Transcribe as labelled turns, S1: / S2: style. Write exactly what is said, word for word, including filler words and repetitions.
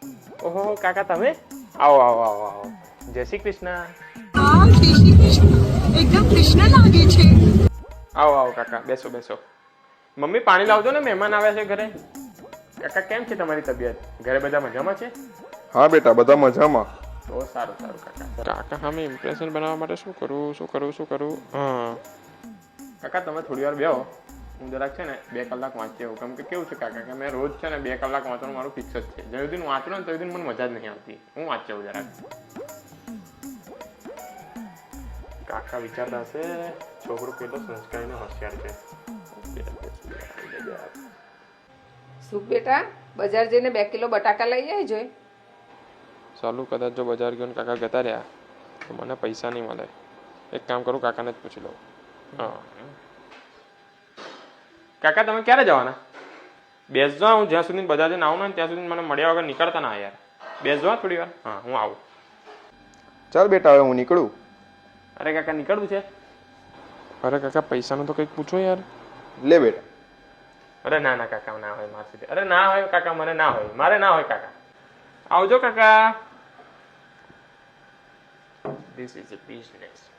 S1: ઓહો કાકા તમે આવો આવો આવો આવો જય શ્રી કૃષ્ણ
S2: હા જય શ્રી કૃષ્ણ એકદમ કૃષ્ણ લાગે છે
S1: આવો આવો કાકા બેસો બેસો મમ્મી પાણી લાવજો ને મહેમાન આવ્યા છે ઘરે કાકા કેમ છે તમારી તબિયત ઘરે બધા મજામાં છે
S3: હા બેટા બધા મજામાં
S1: તો સારું સારું કાકા કાકા સામે ઇમ્પ્રેશન બનાવવા માટે શું કરું શું કરું શું કરું હા કાકા તમે થોડી વાર બેહો હું જરાક છે ને બે કલાક વાંચી આવું કેમ કે કેવું છે કાકા કે મેં રોજ છે ને બે કલાક વાંચવાનું મારું ફિક્સ જ છે જ્યાં સુધી વાંચું ને ત્યાં સુધી મને મજા જ નહીં આવતી હું વાંચી આવું જરાક કાકા વિચારતા હશે છોકરો કેટલો સંસ્કારી ને હોશિયાર છે
S4: સુખ બેટા બજાર જઈને બે કિલો બટાકા લઈ આવી જોઈ
S1: ચાલુ કદાચ જો બજાર ગયો ને કાકા જતા રહ્યા તો મને પૈસા નહીં મળે એક કામ કરું કાકાને જ પૂછી લઉં હા કાકા તમે ક્યારે જવાના બેસજો હું જ્યાં સુધી બજાર જઈને આવું ને ત્યાં સુધી મને મળ્યા વગર નીકળતા ના યાર બેસજો થોડી વાર હા હું આવું
S3: ચાલ બેટા હવે હું નીકળું
S1: અરે કાકા નીકળવું છે અરે કાકા પૈસાનું તો કંઈક પૂછો યાર
S3: લે બેટા
S1: અરે ના ના કાકા ના હોય મારી અરે ના હોય કાકા મને ના હોય મારે ના હોય કાકા આવજો કાકા ધીસ ઇઝ અ બિઝનેસ